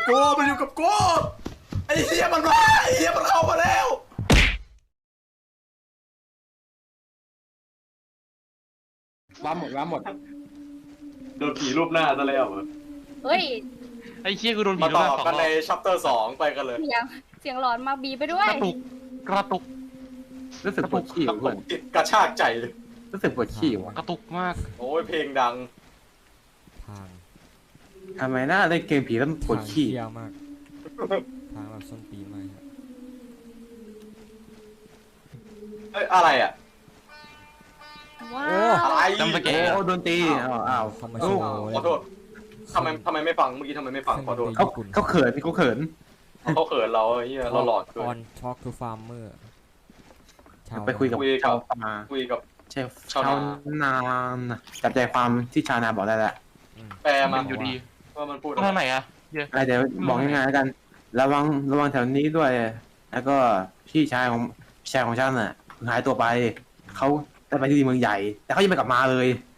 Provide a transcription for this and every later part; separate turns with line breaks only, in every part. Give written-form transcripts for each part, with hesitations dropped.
กูมันอยู่กับกูไอ้เหี้ยมันมาไอ้เหี้ยมันเข้ามาแล้ว
ว้าหมด
โดนผีรูปหน้าซะแล้วเหรอ
เฮ้ย
ไอ้เชี่ยกูโดนผี
มา
โด
ต่
น
อ
สอง
กัน
ร
ใน
อบ
ชัปเตอร์2ไปกันเลย
เสียงหลอนมาบีไปด้วย
กระตุก
รู้สึกปวดขี้เพื่อน
ติดกระชากใจเลย
รู้สึกปวดขี้วะ
กระตุกมาก
โอ้ยเพลงดัง
ทาง
ทำไมน่าเล่นเกมผีแล้วมันปวด
ทาง
ขี้
เที่ยวมาก ทางแบบส้นตีนมากครับ
เอ้ยอะไรอ่ะ
ว้า
โอ้
ว
อะไร
จำสเกล
โอ้โดนตีอ้าว
เข้ามาโชว์
ขอโทษทำไมไม่ฟังเมื่อกี้ทำไมไม่ฟังขอโทษ
เขาเขินเขาเขิน
เขาเขินเราไอ้เหี้ยเราหลอดเกิ
อน Talk to Farmer ชาว
ไปคุยกับชาวนา
คุยกับ
ชาวนาจับใจความที่ชาวนาบอกได้แหละ
แปลมา
มันอยู่ดี
ว่ามันพูด
ตรงไหนอะเดี๋ยว
เดี๋ยวบอกง่ายๆแล้วกันระวังแถวนี้ด้วย แล้วก็พี่ชายของฉันน่ะหายตัวไปเขาได้ไปที่เมืองใหญ่ แต่เขายังไม่กลับมาเลย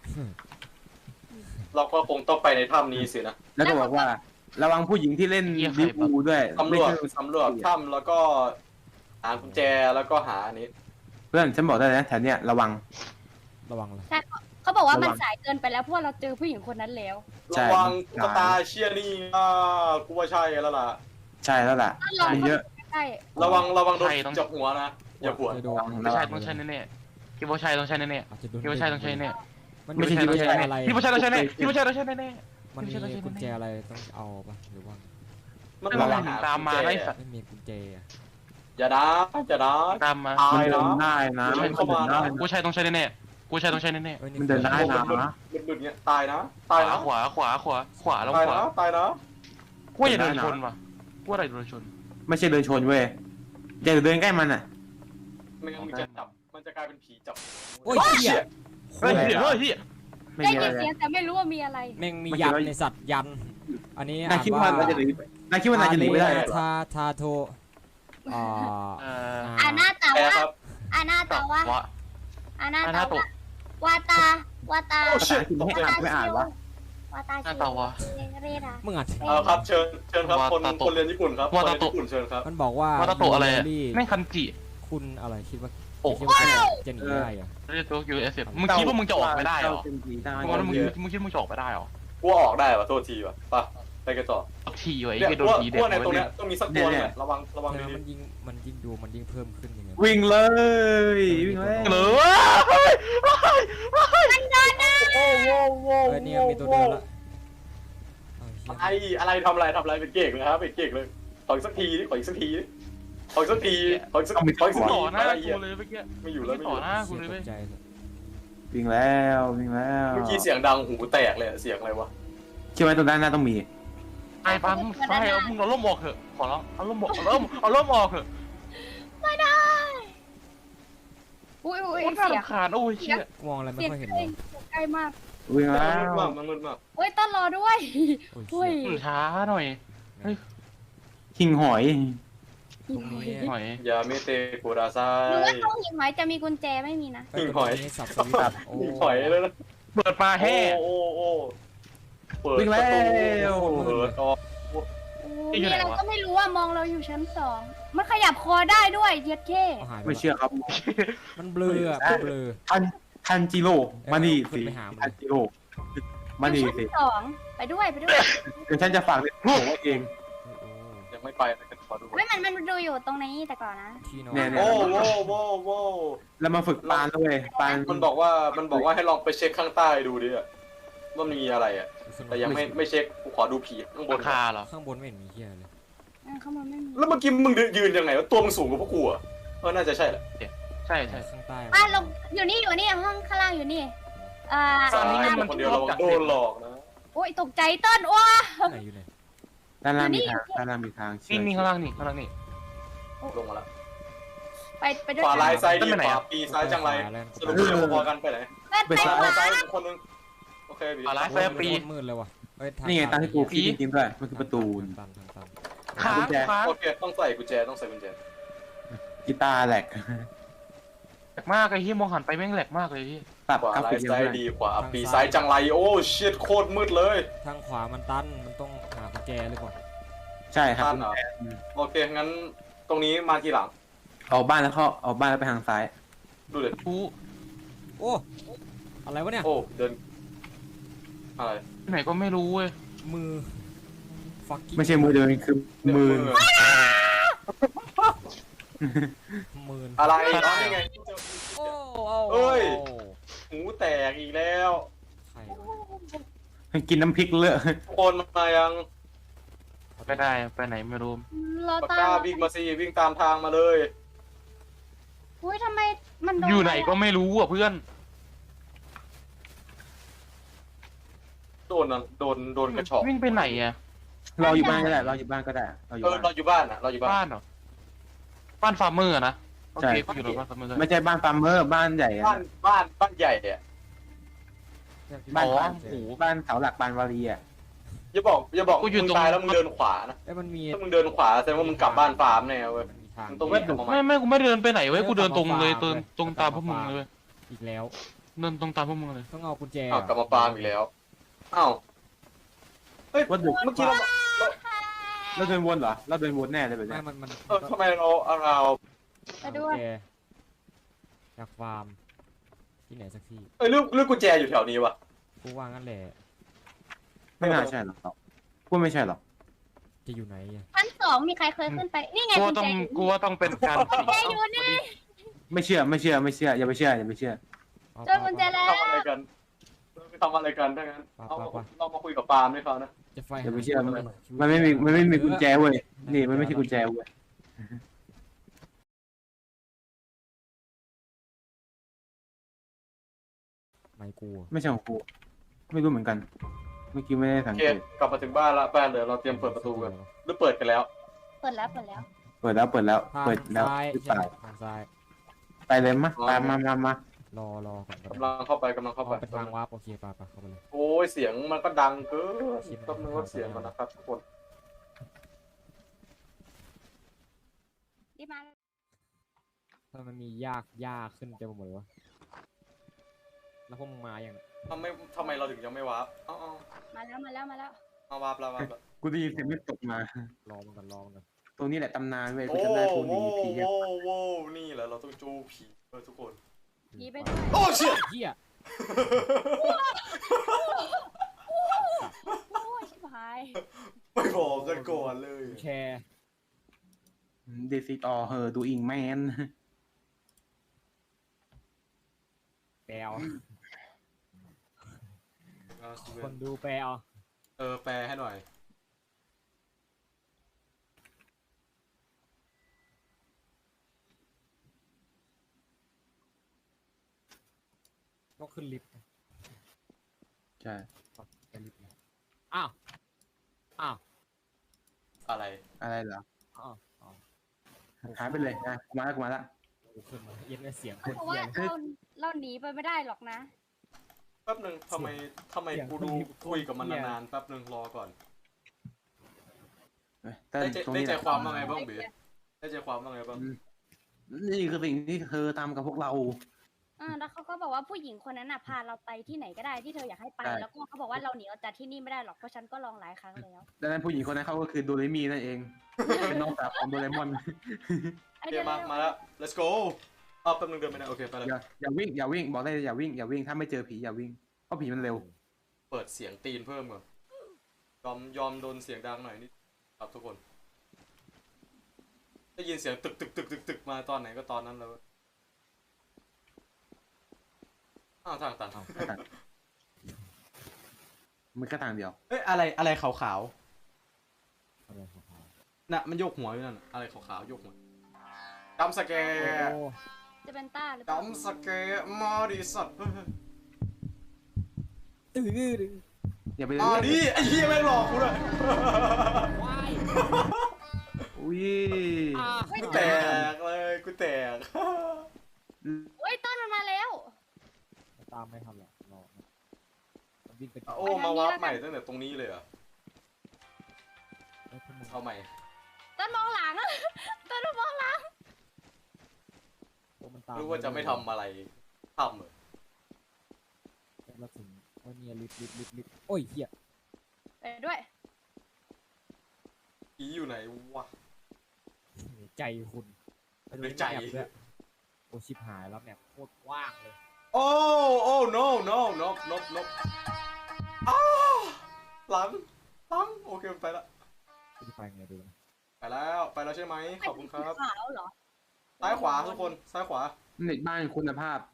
เราก็คงต้องไปในถ้ำนี้สินะ
แล้วก็บอกว่าระวังผู้หญิงที่เล่นดิบูด้วย
สำรวจถ้ำแล้วก็หากุญแจแล้วก็หาอันนี้
เพื่อนฉันบอกได้นะแถวเนี้ยระวัง
ระวังเลย
ใช่เขาบอกว่ามัน
ระวัง
สายเกินไปแล้วเพราะว่าเราเจอผู้หญิงคนนั้นแล้ว
ใช่
ระวังตุ๊กตาเชียนี่กูว่าใช่แล้วล่ะ
ใช่แล้วล่ะ
เรา
มันเยอะ
ใช่
ระวังโดนจับหัวนะอย่าปวด
จะโดน
ไม่ใช่ต้องใช่แน่ๆคิดว่าใช่ต้องใช่แน่
อาจจะโดน
ๆคิดว่าใช่ต้องใช่แน่
มัน
ไม่ใช่
มีกุญแจอะไร
คิดว่าใช่ต้องใช่แน่คิดว่าใช่ต้องใช่แน่
มันมีกุญแจอะไรต้องเอาปะหรือว่า
มัน
ระวังตามมาไล่สัตว์
ไม่มีกุญแจอะ
อย่านะ
ตามมา
ตา
มัน
ย
เดิ
นะ
นได้นะ
ใช่
มัน
เข้ามา
เดินได้
กู
นะ
ใช่ต้องใช่แน่ๆกูใช่ต้องใช่แน่
อ้ย
มันเดินได้ นะ
หลุดเงี้ยตายนะ
ๆ
ตายนะ
ขวาแล้ว
ตาย
ขวา
นะตายนะ
กูอย่าเดินชนว่ะกูอะไรโดนชน
ไม่ใช่เดินชนเว้ยอย่าเดินใกล้มันอ่ะ
ไม่งั้นมันจะจับมันจะกลายเป็นผีจับ
โอ้ยเหี้ย
เฮ้ยเฮ้ย
ไม่
ได้
มีอะ
ยิน
ไร
เสียงแต่ไม่รู้ว่ามีอะไร
แม่งมียันในสัตว์ยัน อันนี้
นายคิดว่านายจะหนีนายคิดว่านายจะหนีไม่ได้เหรอ
ทาโทอ่า
อานาตา
แปล
วะ
ครับ
อานาตาวะ
วะ
อานา
อา
ตา
นาโตะ
วะวาตาวาตา
โอ้
ภาษาอังกฤษไม่อ่านไม่อ่านวะ
วาตา
อานาตาวะ
เรดา
มึงอ่ะ
ครับเชิญครับคน
วาตาโตะ
คนเรียนญี่ปุ่นครับคน
วา
เรี
ตาย
น
โตะ
ญี่ปุ่นเชิญครับ
มันบอกว่า
ว่าตาโตะอะไรอะ
Yuri
แม่งคันจิ
คุณอะไรคิดว่า
โอ้
คิดว่าจะหนีได้เหรอ
เรียกตัว USF มึงคิดว่ามึงจะออกไปได้เหรอ
เป็นผีได้
มึงคิดว่ามึงจะออกไปได้เหรอ
กูออกได้ป่ะโทษทีว่ะไปกันต่อ
ทีไว้
เนี่ย
ไอ้โดนผีเด็ก
ว่าในตรงเนี้ยต้องมีสักตัวเนี่ยระวัง
ใช่ไหม
ดี
มันยิ่งดูมันยิ่งเพิ่มขึ้นยังไง
วิ่งเลยวิ่งเลย
เหรอ
เออเนี่ยมีตัวเดินละเอาเหี้ย
อะไรทำอะไรเป็นเก่งเลยครับเป็นเก่งเลยขออีกสักทีขออีกสักทีขออีกสักทีขออีกสักที
ต่อหน้า
อะไร
กู
เงี้ย
เลยเมื่อกี้
ไม่อยู่แล้วไม่อ
ต่อยู่ หน้ากู
เสีย
เลย
ต
เว้ย
กใจเลย
วิ่งแล้ว
เมื่อกี้เสียงดังหูแตกเลยเสียงอะไรวะ
คิดว่าตรงด้านหน้าต้องมี
ไอ้ปั๊มไฟเอามึงเอาล่มออกเถอะขอร้องเอาล่มออกเอาล่มออกเถอะ
ไม่ได้อุ้ย
โอ้ยน่ารำคาญโอ้ยเชี่ย
มองอะไรไม่
เสียง
ค่อยเห็น
ใก
เล
ล้
ย
ใกล้มาก
วิ่งแล้ว
มันมืดมาก
โอ้ยต้อนรอด้วย
โอ้ย
โอ้ย
เหี้ย
ช้าหน่อย
หิ่งหอย
ตรงนี้
หน่อย
อย่าเมเตโกดาไซ
หรือว่าตรงหินหอยจะมีกุญแจไม่มีนะ
หิ่งหอย
ตรงนี้สับสวิตช์โอ้
ถอยเลยนะ
เปิดมาแห่
โอ้เปิด
วิ่ง
ประ
แล้
ตู
ว
เปิดออก
มีอะไรก็ไม่รู้ว่ามองเราอยู่ชั้น2มันขยับคอได้ด้วยเย็ดเท่
เอาหายไป
ไม่
ละ
เชื่อครับ
มันเบลออะมันเบลอ
ทันจิโร่มานี่
ขึ้
สิ
นไปหามัน
ทันจิโร่มานี่
อยู่
สิ
ชั้น2ไปด้วย
เดี๋ยวฉันจะฝากเรื่องของเอง
โอ้โห
ยังไม่ไปนะขอดู
ไม่มันดูอยู่ตรงนี้แต่ก่อนนะ
ที่นอน
เนี่ย
โว้
แล้วมาฝึกปานด้วยปาน
มันบอกว่าให้ลองไปเช็คข้างใต้ดูดิว่ามันมีอะไรอ่ะแต่ยังไม่เช็คกูขอดูผีข้างบน
ราคาเหรอ
ข้างบนไม่เห็นมีเหี้ยเลย
ข้างบนไม่มี
แล้วเมื่อกี้มึงยืนยังไงวะตัวมึงสูงกว่าพวกกูอ่ะน่าจะใช่แหละ
ใช่ใช่
ข้างใต้
ลงอยู่นี่ห้องข้างล่างอยู่นี่
สามคนคนเดียวเราโดนหลอกนะ
โอ้ยตกใจต้นว้า
ไหนอยู่ไหน
ด้านล่างมีทางด้านล่างมีทาง
นี่ข้างล่างนี่ข้างล่างนี่
ลงมาแล้ว
ไปด้วย
ขวาลายซ้ายดี
ไปไหน
ขวา
อะ
ปีซ้ายจังไรสรุปเราพอกันไปไหน
ไป
ซ้ายคนนึงโอเคบี
อะไร
โอ้ยมันโคตรมืดเลยว่ะเอ้ย
นี่ไงตามที่กูคิดจริงๆด้วยมันคือประตู
ตันทางตัน
ขาขา
โอเคต้องใส่กุญแจ
กีตาร์แหลก
แหลกมากไอ้ที่มองหันไปแม่งแหลกมากเลยพี่
ปรับ
ขวาก
รา
ลา
ฟิ
ย
กเย
ซ้าย
อะ
ดีขวาปีซ้ายจังไรโอ้ชิตโคตรมืดเลย
ทางขวามันตันมันต้องหากุญแจหรือเปล่า
ใช่ครับ
บ้านเหรอโอเคงั้นตรงนี้มาทีหลัง
ออกบ้านแล้วเข้าออกบ้านแล้วไปทางซ้าย
ดูเลย
กู
โอ้อะไรวะเนี่ย
โอ้เดินอะไร
ที่ไหนก็ไม่รู้เว้ย
มือ fucking
ไม่ใช่มือเดินคือมือ
มือ
อะไรอ๋อนี่ไง
โอ้
เอ้ย หูแตกอีกแล้ว
ใครวะ
กินน้ำพริกเลอะ
คนมายัง
ไม่ได้ไปไหนไม่รู้
เรา
ปาก
ตาม
กาวิ่งมาสิวิ่งตามทางมาเลย
อุ้ยทำไมมันโดน
อยู่ไหนก็ไม่รู้อ่ะเพื่อน
โดนนะโดนกระชอก
วิ่งไปไหนอ่ะ
เราอยู่บ้านก็ได้เราอยู่บ้านก็ได้เราอยู่
เออ
บ้าน
เราอยู่บ้านอ่ะเราอยู่บ้า
บ้าน นเหรอบ้านฟาร์มเมอร์อะนะโอ
ใช่
เคกูอยู่ในบ้านฟาร์มเมอร์
ไม่ใช่บ้านฟาร์มเมอร์บ้านใหญ่อะ
บ้านใหญ่เนี่ย
บ้าน
อ๋อ
บ้าน
โอ้โห
บ้านเสาหลักบานวารีอะ
อย่าบอก
กูอยู่
มึง
ตรง
ตายแล้วมึงเดินขวานะ
เอ้ยมันมี
ถ้ามึงเดินขวาแสดงว่ามึงกลับบ้านฟาร์มแน่เว้ย
มันมีทาง
มันต้อง
ไม่กูไม่เดินไปไหนเว้ยกูเดินตรงเลยตรงตามพวกมึงเลยเว้ย
อีกแล้ว
เดินตรงตามพวกมึงเลย
ต้องเอากุญแจ
อ้าวกลับมาฟาร์มอีกแล้วอ้าวเฮ้ย
วัดดุ
เมื่อกี้เรา
เราเดินวนเหรอเราเดินวนแน่เลยแบบ
ไม่
เนี้ย
มัน
ทำไมเรา
ไปด้
กุ
ว
ญ
ย
แจจากฟาร์มที่ไหนสักที่
เรื่องกุญแจอยู่แถวนี้วะ
กูว่างั้นแหละ
ไม่น่าใช่หรอกพูดไม่ใช่หรอก
จะอยู่ไหนอะ
ชั้นสองมีใครเคยขึ้นไป นี่ไง
กู
กุ
ว่า
ญ
ต้
แจ
องกูว่าต้องเป็นการ
กุญแจอยู่นี่
ไม่เชื่ออย่าไปเชื่ออย่าไปเชื่อ
เอา
เจอกุญแจแล้ว
ทำอะไรกันทำอะไรกันถ้างั้นเอาเรามาคุยกับปาล์มด้วยเขานะ
จะไฟ
อย่าไปเชื่อมันไม่มีกุญแจเว้ยนี่มันไม่ใช่กุญแจเว้ย
ไม่กลัว
ไม่ใช่ของกูไม่รู้เหมือนกันเมื่อกี้ไม่ได้สั
โอง เค
เกต
กลับมาถึงบ้านละบ้านเดี๋ยวเราเตรียมเปิดประตูกันหรือเปิดกันแล้ว
เปิดแล้วเปิดแล้ว
เปิดแล้วหรือ
ทาง
เป
ซ้าย
ล่า
ใช่ไหมทางซ้าย
ไปเลยมะตามมาร
อก่อนก็
กำ
ได้
ลังเข้าไปกำลังเข้า
เอา
ไป
เป็นทางวาร์ปโอเคไปเข้าไปเลย
โอ้ยเสียงมันก็ดังเกินต้องนึกว่าเสียงมันนะครับทุกคน
รีบมา
ถ้ามันมียากขึ้นเต็มไปหมดเลยวะแล้วพวกมึงมาอย่าง
ทำไมเราถึงยังไม่วาร์ปอ๋อ
มาแล้ว
เอาวาร์ปแล้ววาร์ปแล้ว
กูได้ยินเสียงไม่ตกมาร
อมันก่อน
ตรงนี้แหละตำนานเว้ยกู
โอ้
จำได้กูห
โห
นีผีอะ
โว้นี่แหละเราต้องจูผีทุกคน
ผีไปด้วย
โอ้เชี่ย
เฮีย
โอ้ยชิบหาย
ไม่บอกกันก่อนเลย
แชร์
เดซิตอเฮอดูอิงแมน
แปลคนดูแปล
แปลให้หน่อย
ต้องขึ้นลิฟต์
ใช่
ไปลิฟต์นะอ้าว
อะไร
อะไรเหรอ
อ้าว
หายไปเลยนะกูมาละ
กูขึ้นมาเย็นเสียงคน
เพราะ
เฮี
ว่าย เราหนีไปไม่ได้หรอกนะ
แป๊บหนึ่งทำไมกูดูคุยกับมันนานๆแป๊บหนึ่งรอก่อน
แต่
ได้
ตรง
ได้
นี้
ใจ
แหละ
ความว่าไงบ้างบีได้ใจความว่าไงบ้าง
นี่คือสิ่งที่เธอทำกับพวกเรา
แล้วเขาก็บอกว่าผู้หญิงคนนั้นน่ะพาเราไปที่ไหนก็ได้ที่เธออยากให้ไป
ใช่
แล้วก็เขาบอกว่าเราหนีออกจากที่นี่ไม่ได้หรอกเพราะฉันก็ลองหลายครั้งแล้ว
ดังนั้นผู้หญิงคนนั้นเขาก็คือโดเรมีนั่นเอง เป็นน้องสาวของโดเรมอน
โอเคมาแล้ว let's go อ้าวแป๊บหนึงเดินไม่ได้โอเคไปเลย
อย่าวิ่งบอกได้เลยอย่าวิ่งถ้าไม่เจอผีอย่าวิ่งเพราะผีมันเร็ว
เปิดเสียงตีนเพิ่มก่อนยอมโดนเสียงดังหน่อยนิดครับทุกคน ได้ยินเสียงตึกมาตอนไหนก็ตอนนั้นแล้วอ้าวทางตัน
มันก็ทางเดียว
เอ้ยอะไรขาว
อะไรของเขา
ๆน่ะมันโยกหัวอยู่นั่นน่ะอะไรขาวๆโยกหัวจำสแกร์
โอ้
จะเป็นต้าหรือเปล่า
จำสแกร์มาดิสัตว์
ตื้อ
อย่าไป
มาดิไอ้เหี้ยแม่งหลอกกูเลย
ว้าย
อุ้ย
กูแตกเลยกูแตก
โอ้ยต้นมันมาแล้ว
ตามไม่ทันหรอกรอมันวิ่งไป
โอ้มาวาร์ปใหม่ตั้งแต่ตรงนี้เลยเหรอ
พวกมึง
เอาใหม่
ต้นมองหลัง ต้นมองหลัง
พวกมันตาม
รู้ว่าจะไม่ทำอะไรทำเหรอ
แล้วถึงว่าเนี่ยลิฟต์โอ้ยเหี้ย
ไปด้วย
ยผีอยู่ไหนวะ
ใจคุณไปดู
ในใจ
แมปด้วยโอชิบหายแล้วแมปโคตรกว้างเลย
โอ้ no no no no no อ้าหลังโอเคไปละ
จะไปไงดูนะ
ไปแล้วใช่ไหมขอบคุณครับ
ขาวเหรอ
ซ้ายขวาทุกคนซ้ายขวา
เน็ตบ้านคุณภาพ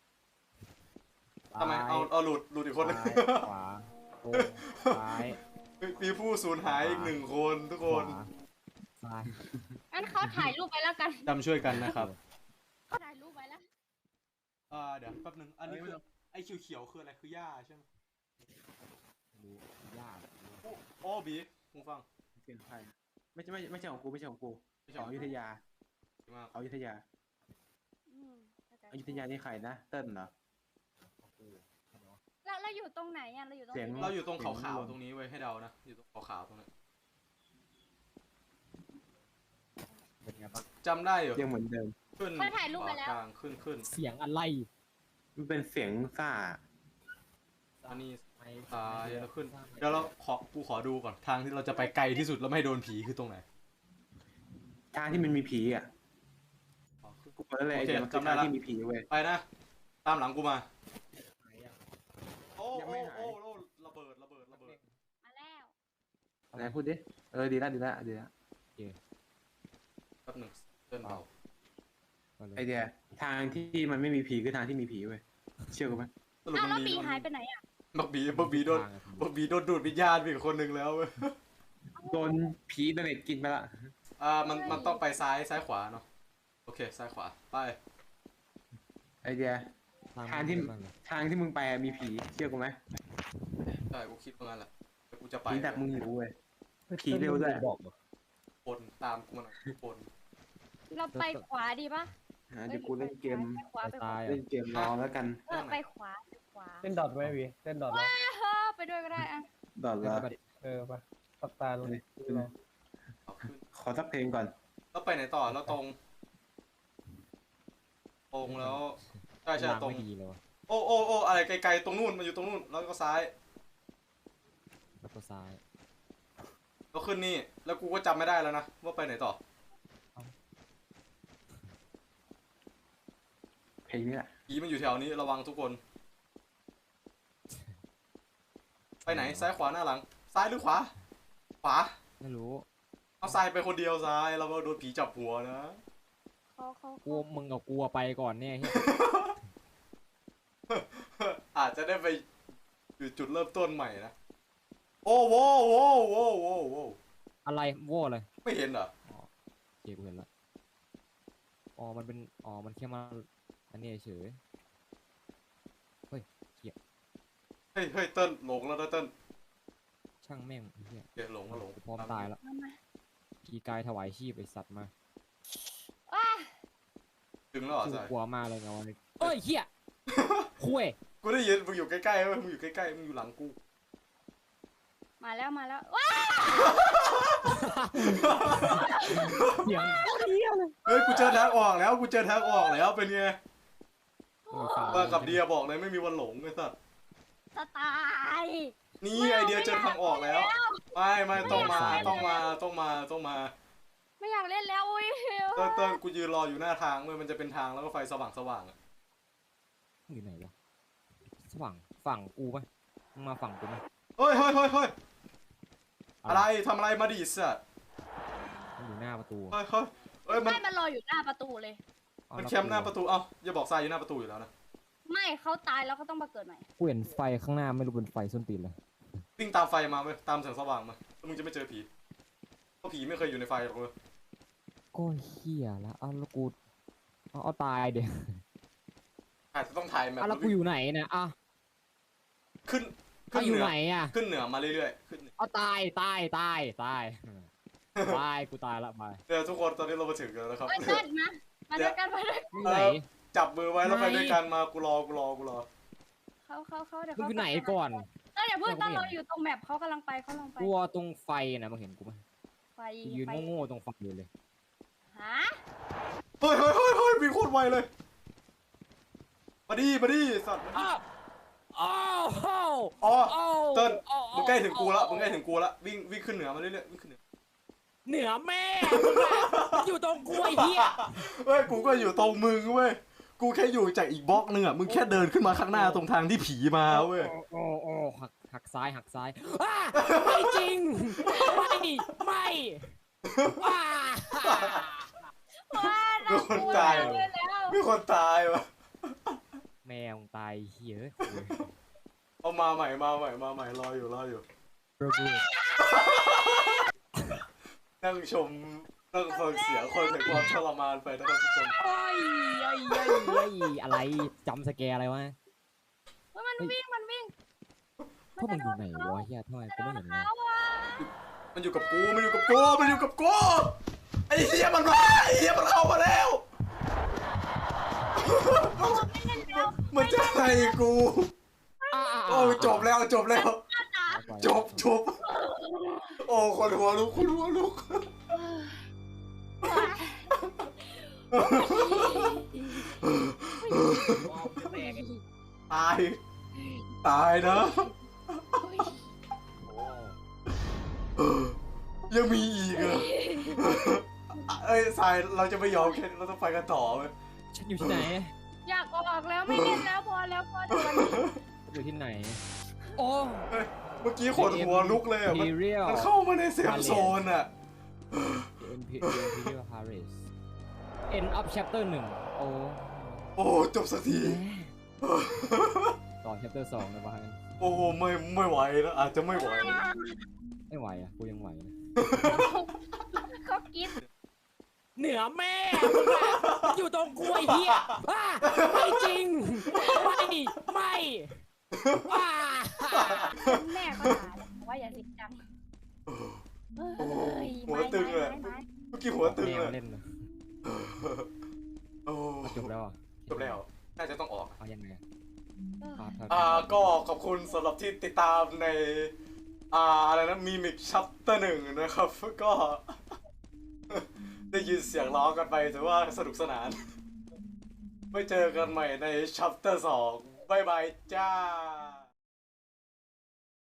ทำไมเอาหลุดอีกคนนึง
ซ้ายขวาตรงซ้าย
มีผู้สูญหายอีก1 คนทุกคน
ขวาซ้าย
งั้นเขาถ่ายรูปไปแล้วกัน
จำช่วยกันนะครับ
เขาถ่ายรูปไปแล้ว
เดี๋ยวแป๊บนึงอันนี้คือไอ้เขียวๆคืออะไรคือหญ้าใช่ไหม
ดูยาก
โอ้บีมึงฟัง
เสียงใครไม่ใช่ของกูไม่ใช่ของกู
ไม่
ข
ใช่
องอยุธยา
มาก
ของอยุธยา
อืม
อยุธยานี่ใครนะเติ้ลเหรอ
แล้วเราอยู่ตรงไหนอ่ะเราอยู่ตรง
เสียง
เราอยู่ตรงขาวๆตรงนี้ไว้ยให้เดานะอยู่ตรงขาวๆตรงนี้
เป็นไงบ้าง
จำได้อยู่
ยังเหมือนเดิม
ขึ้น
เขาถ่ายรูปไปแล้ว
กลางขึ้น
เสียงอะไร
มันเป็นเสียงซ่า
อันนี้
ไม่
ซ้ายแล้วขึ้นเดี๋ยวกูขอดูก่อนทางที่เราจะไปไกลที่สุดแล้วไม่ให้โดนผีคือตรงไหน
ทางที่มันมีผีอ่ะ
ขอขึ้น
กูบอกแล้วเลย
โอเค
เดี๋ยวมันคือ
จำได้
ทาง
ละ
ที่มีผีเว้ย
ไปนะ ตามหลังกูมา
ไหนอะ
โอ้
ยังไม่หาย
โอ้ระเบิด
มาแล้ว
ไหนพูดดิดีละ
แป๊บหนึงเดินเบา
ก็เลย
ไอเดียทางที่มันไม่มีผีคือทางที่มีผีเว้ยเชื่อกูไหม
สรุป
อ้าว
มั
แล้ว
น
ปี
มี
หายไปไหนอ่ะ
บักบีโดน
ทางอะ
บักบีโดนดูดวิญญาณไปอีกคนนึงแล้วเว้ย
โดนผีโดนเน็ตกินไปละ
มันต้องไปซ้ายขวาเนาะโอเคซ้ายขวาไป
ไอเดีย ทางที่
บ้เลย
ทางที่มึงไปอะมีผีเชื่อกูไหม
ใช่กูคิดว่างั้นแหละแต่กูจะไป
ผีดักมึงอยู่เว้ยผีเร็วด้วย
บอกเหรอ
คนตามกูมาหน่อยคน
เราไปขวาดีปะ
เดี๋ยวกูเล่นเกม
ไปขวาไปขวา
ตาย
เล่นเกมรอแล้วกัน
ไปขวาไปขวา
เล่นดอทไหมวีเล่นดอทไหม
ไปด้วยก็ได้อ่ะ
ดอดละ
เออไปปักตาลงดิดูนะ
เอาขึ้น
ขอสักเพลงก่อน
แล้วไปไหนต่อแล้วตรงแล้วใช่
ทาง
ตรง
ไม่ดีเลยวะ
โอ้อะไรไกลๆตรงนู่นมันอยู่ตรงนู่นแล้วก็ซ้าย
แล้วก็ซ้าย
แล้วขึ้นนี่แล้วกูก็จำไม่ได้แล้วนะว่าไปไหนต่อ
เพลงนี้แหละ
ผีมันอยู่แถวนี้ระวังทุกคน ไปไหนซ้ายขวาหน้าหลัง ซ้ายหรือขวา ขวา
ไม่รู้
เอาซ้ายไปคนเดียวซ้ายเราก็โดนผีจับหัวนะ
เขา
กูมึงกับกูอะไปก่อนเนี่ยเหี้ย
อาจจะได้ไปอยู่จุดเริ่มต้นใหม่นะโอ้โว้
อะไรโว้เลย
ไม่เห็นเหรอ
เจ๊กูเห็นละมันเป็นมันแค่มาอันนี้เฉย
เฮ้ยเติ้ลหลงแล้วนะเติ้ล
ช่างแม่งไอ้เหี้ย
เดี๋ยวหลง
กูพร้อมตายแล้ว
มามา
กีกายถวายชีพไอสัตว์มา
ว้า
ถึงแล้วเหรอ
กู
สาย
กลัวมากเลยไงวันนี้เอ้ยเหี้ยคุย
กูได้ยินมึงอยู่ใกล้ๆเว้ยมึงอยู่ใกล้ๆมึงอยู่หลังกู
มาแล้วว้า
เสียง
เฮ้ยกูเจอทางออกแล้วเป็นไง
ฝั่ง
ว่ากับเดียบอกเลยไม่มีวันหลงไอ้สัส
จะตาย
นี่ไอเดียเจอทางออกแล้วไม่ต้องมา
ไม่อยากเล่นแล้วอุ้ย
เติ้ลกูยืนรออยู่หน้าทางเว้ยมันจะเป็นทางแล้วก็ไฟสว่างอะ
อยู่ไหนวะสว่างฝั่งกูปะมึงมาฝั่งกูไหม
เฮ้ยอะไรทำอะไรมาดิสัส
มันอยู่หน้าประตู
เฮ้ยมัน
ไม่มันรออยู่หน้าประตูเลย
มันแคมป์หน้าประตูเอ้าอย่าบอกทรายอยู่หน้าประตูอยู่แล้วนะ
ไม่เขาตายแล้วก็ต้องมาเกิดใหม่
กูเห็นไฟข้างหน้าไม่รู้เป็นไฟส้นตีนเลย
วิ่งตามไฟมาเว้ยตามแสงสว่างมาแล้วมึงจะไม่เจอผีเพราะผีไม่เคยอยู่ในไฟหรอกเว้ย
ก็เหี้ยแล้วเอาแล้วกูเอาตายเดี๋ยว
อาจจะต้องถ่ายแมป
แล้วกูอยู่ไหนเนี่ยอ่ะ
ขึ้น
เอาอยู่
เหนื
ไหนอ่ะ
ขึ้นเหนือมาเรื่อยๆขึ้น
เอาตายตายกูตายละไป
เดี๋ยวทุกคนตอนนี้เรามาถึงกันแล้วครับ
เอ้ยเต้นมาด้วยกันมาด้วย
มึงไหน
จับมือไว้แล้วไป
ไหน
ด้วยกันมากูรอ
เขาเดี๋ยว
มึง
เขา
อยู่ไหนก่อน
ต้นอย่าเพิ่งต้นเราอยู่ตรงแมปเขากำลังไป
กลัวตรงไฟนะมึงเห็นกูไหม
ไฟ
กูยืนโง่ๆตรงไฟอยู่เลย
ฮะ
เฮ้ยมีโคตรไวเลยมาดิสัตว์
อ้าวอ้าว
อ๋อ
อ้าว
เติ้ลมึงใกล้ถึงกูละวิ่งขึ้นเหนือมาเรื่อยๆวิ่งขึ้นเหนือ
เหนือแม่มึงอะอยู่ตรงกล้วยเฮีย
เว้ยกูก็อยู่ตรงมึงเว้ยกูแค่อยู่จากอีกบล็อกนึงอ่ะมึงแค่เดินขึ้นมาข้างหน้าตรงทางที่ผีมาเว้ย
โอ้หักซ้ายอ้าไม่จริงไม่ว้า
ว้า
มีคนตาย
เลยแล้ว
มีคนตายวะ
แมวตายเฮีย
เอามาใหม่รออยู่ นั่งชมนั่งฟังเสียงคนแห่งความทรมานไปนะครับทุกคน
ไอ้อะไรจำสแกร์อะไรวะ
มันวิ่ง
พวกมึงอยู่ไหนวะเฮียทำไมกูไม่เห็นเลย
เขาอ่ะ
มันอยู่กับกูไอ้เหี้ยมันเข้ามาแล้ว
ไม่เล่นแล้ว
มันจะให้กูโอ้จบแล้วจบโอ้คนหัวลุกตายนะยังมีอีกเหรอเอ้ยสายเราจะไม่ยอมแค่นี้เราต้องไปกันต่อเว้ย
ฉันอยู่ที่ไหน
อยากออกแล้วไม่เล่นแล้วพอเดี๋ยววันนี้
อยู่ที่ไหนโอ้
เมื่อกี้คนหัวลุกเลยอ่ะมัน
Imperial
เข้ามาในเซฟโซนอ่ะ
Imperial Paris End of Chapter 1โอ้
โอ้จบสักที
ต่อ Chapter 2นะบ้าง
โอ้ไม่ไหวแล้วอาจจะไม่ไหว
ไม่ไหวอ่ะกูยังไหวนะ
เขากิน
เหนือแม่มึงอะอยู่ตรงกล้วยเฮียไม่จริงไม่ว้า
แม่ก็ด่าว่าอย่าเสียงดัง
หัวตึงเลยเมื่อกี้หัวตึง
แม
เล
วย เล่นนะ
โอ้
จบแล้วอ่ะ
จบแล้วน่าจะต้องออก
เอายังไง
ก็ขอบคุณสำหรับที่ติดตามในอะไรนะมีมิกชัปเตอร์1นะครับก็ ได้ยินเสียงร้องกันไปถือว่าสนุกสนานไว้เจอกันใหม่ในชัปเตอร์2บ๊ายบายจ้า